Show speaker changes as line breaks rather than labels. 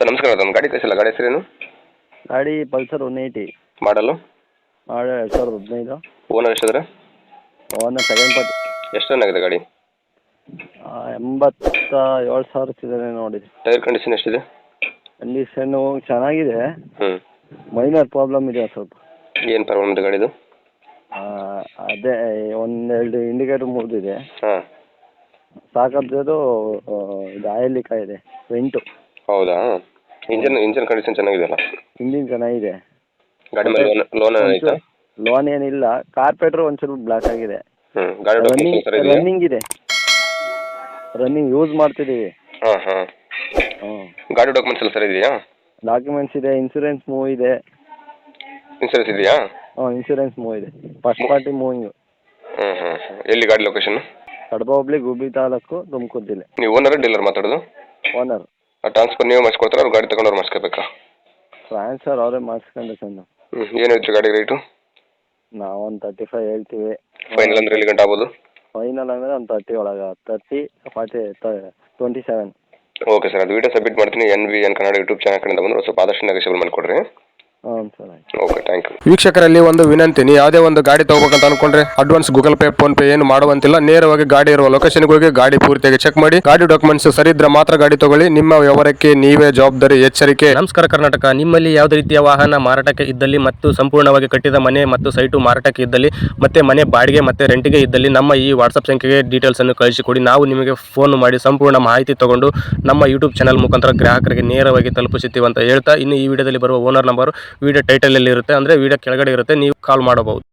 Sir ನಮಸ್ಕಾರ, ಅದೊಂದು ಗಾಡಿ ಕಳಿಸಿಲ್ಲ, ಗಾಡಿ ಹೆಸರೇನು?
ಗಾಡಿ ಪಲ್ಸರ್ 180
ಮಾಡಲು
ಮಾಡಿ 2015.
ಓನರ್ ಎಷ್ಟಿದ್ರೆ?
Owner second party.
ಎಷ್ಟು ರನ್ ಆಗಿದೆ ಗಾಡಿ?
87,000 ಸಿಗದೆ ನೋಡಿ.
ಟೈರ್ ಕಂಡೀಷನ್ ಎಷ್ಟಿದೆ?
ಕಂಡೀಷನ್ನು ಚೆನ್ನಾಗಿದೆ,
ಹ್ಞೂ.
ಮೈನರ್ ಪ್ರಾಬ್ಲಮ್ ಇದೆ ಸ್ವಲ್ಪ.
ಏನು ಪ್ರಾಬ್ಲಮ್ ಇದೆ ಗಾಡಿದು?
ಅದೇ ಒಂದೆರಡು ಇಂಡಿಕೇಟರ್ ಮುರಿದಿದೆ.
ಹಾಂ.
ಸಾಕದ್ದು ಇದು ಆಯಿಲ್ ಲೀಕ್ ಆಗಿದೆ ವೆಂಟು.
ಹೌದಾ? ಇಂಜನ್ ಕಂಡೀಷನ್ ಚೆನ್ನಾಗಿದೆಯಲ್ಲ?
ಇಂಜಿನ್ ಚೆನ್ನಾಗಿದೆ.
ಗಾಡಿ ಮೇಲೆ ಲೋನ್ ಏನಾಯ್ತಾ?
ಲೋನ್ ಏನಿಲ್ಲ, ಕಾರ್ಪೆಟ್ರು ಒಂಚೂರು ಬ್ಲಾಕ್ ಆಗಿದೆ.
ಹ್ಞೂ. ಗಾಡಿ ಡಾಕ್ಯುಮೆಂಟ್ಸ್ ಸರಿ ಇದೆಯಾ?
ರನ್ನಿಂಗ್ ಇದೆ, ರನ್ನಿಂಗ್ ಯೂಸ್ ಮಾಡ್ತಿದ್ದೀವಿ.
ಹಾಂ ಹಾಂ. ಗಾಡಿ ಡಾಕ್ಯುಮೆಂಟ್ಸ್ ಎಲ್ಲ ಸರಿ ಇದೆಯಾ?
ಡಾಕ್ಯುಮೆಂಟ್ಸ್ ಇದೆ, ಇನ್ಸೂರೆನ್ಸ್ ಮೂವ್ ಇದೆ.
ಇನ್ಸೂರೆನ್ಸ್ ಇದೆಯಾ?
ಇನ್ಸೂರೆನ್ಸ್ ಮೂವ್ ಇದೆ, ಫಸ್ಟ್ ಪಾರ್ಟಿ ಮೂವಿಂಗು.
ಹ್ಞೂ ಹ್ಞೂ. ಎಲ್ಲಿ ಗಾಡಿ ಲೊಕೇಶನ್?
ಕಡಬ ಹೋಬಳಿ, ಗುಬ್ಬಿ ತಾಲೂಕು, ತುಮಕೂರು ಜಿಲ್ಲೆ.
ನೀವು ಓನರ್ ಡೀಲರ್ ಮಾತಾಡೋದು?
ಓನರ್.
ಟ್ರಾನ್ಸ್ಫರ್ ನೀವೇ ಮಾಡಿಸ್ಕೊಡ್ತಾರ, ಅವ್ರು ಗಾಡಿ ತಗೊಂಡವ್ರು ಮಾಡಿಸ್ಕೋಬೇಕಾ?
ಟ್ರಾನ್ಸ್ಫರ್ ಅವರೇ ಮಾಡಿಸ್ಕೊಂಡು ಸಣ್ಣ.
ಏನು ಹೇಳ್ತೀರಿ ಗಾಡಿ ರೇಟು?
ನಾವೊಂದು 35 ಹೇಳ್ತೀವಿ.
ಫೈನಲ್ ಅಂದ್ರೆ ಎಲ್ಲಿ ಗಂಟೆ ಆಗ್ಬೋದು?
ಫೈನಲ್ ಅಂದರೆ ಒಂದು 30 ಒಳಗೆ, 30, 40, 27.
ಓಕೆ ಸರ್, ಅದು ವಿಡಿಯೋ ಸಬ್ಮಿಟ್ ಮಾಡ್ತೀನಿ. NVN ಕನ್ನಡ ಯೂಟ್ಯೂಬ್ ಚಾನಲ್ ಕಡೆಯಿಂದ ಬಂದರೆ ಸ್ವಲ್ಪ ಆದಷ್ಟು ನೆಗೋಷಿಯಬಲ್ ಮಾಡಿಕೊಡ್ರಿ.
ಹ್ಞೂ ಸರ್, ಆಯ್ತು.
Okay, thank you.
ವೀಕ್ಷಕರಲ್ಲಿ ಒಂದು ವಿನಂತಿ, ನೀವು ಯಾವುದೇ ಒಂದು ಗಾಡಿ ತಗೋಬೇಕಂತ ಅನ್ಕೊಂಡ್ರೆ advance Google Pay, PhonePe ಏನು ಮಾಡುವಂತಿಲ್ಲ. ನೇರವಾಗಿ ಗಾಡಿ ಇರುವ ಲೊಕೇಶನ್ಗೆ ಹೋಗಿ ಗಾಡಿ ಪೂರ್ತಿಯಾಗಿ ಚೆಕ್ ಮಾಡಿ, ಗಾಡಿ ಡಾಕ್ಯುಮೆಂಟ್ಸ್ ಸರಿ ಇದ್ರೆ ಮಾತ್ರ ಗಾಡಿ ತಗೊಳ್ಳಿ. ನಿಮ್ಮ ವ್ಯವಹಾರಕ್ಕೆ ನೀವೇ ಜವಾಬ್ದಾರಿ. ಎಚ್ಚರಿಕೆ.
ನಮಸ್ಕಾರ ಕರ್ನಾಟಕ. ನಿಮ್ಮಲ್ಲಿ ಯಾವುದೇ ರೀತಿಯ ವಾಹನ ಮಾರಾಟಕ್ಕೆ ಇದ್ದಲ್ಲಿ ಮತ್ತು ಸಂಪೂರ್ಣವಾಗಿ ಕಟ್ಟಿದ ಮನೆ ಮತ್ತು ಸೈಟು ಮಾರಾಟಕ್ಕೆ ಇದ್ದಲ್ಲಿ ಮತ್ತೆ ಮನೆ ಬಾಡಿಗೆ ಮತ್ತು ರೆಂಟಿಗೆ ಇದ್ದಲ್ಲಿ ನಮ್ಮ ಈ ವಾಟ್ಸಪ್ ಸಂಖ್ಯೆಗೆ ಡೀಟೇಲ್ಸ್ ಅನ್ನು ಕಳಿಸಿಕೊಡಿ. ನಾವು ನಿಮಗೆ ಫೋನ್ ಮಾಡಿ ಸಂಪೂರ್ಣ ಮಾಹಿತಿ ತಗೊಂಡು ನಮ್ಮ ಯೂಟ್ಯೂಬ್ ಚಾನಲ್ ಮುಖಾಂತರ ಗ್ರಾಹಕರಿಗೆ ನೇರವಾಗಿ ತಲುಪಿಸುತ್ತೀವಿ ಅಂತ ಹೇಳ್ತಾ, ಇನ್ನು ಈ ವಿಡಿಯೋದಲ್ಲಿ ಬರುವ ಓನರ್ ನಂಬರ್ ವಿಡಿಯೋ ಟೈಟಲಲ್ಲಿ ಇರುತ್ತೆ, ಅಂದರೆ ವಿಡಿಯೋ ಕೆಳಗಡೆ ಇರುತ್ತೆ, ನೀವು ಕಾಲ್ ಮಾಡಬಹುದು.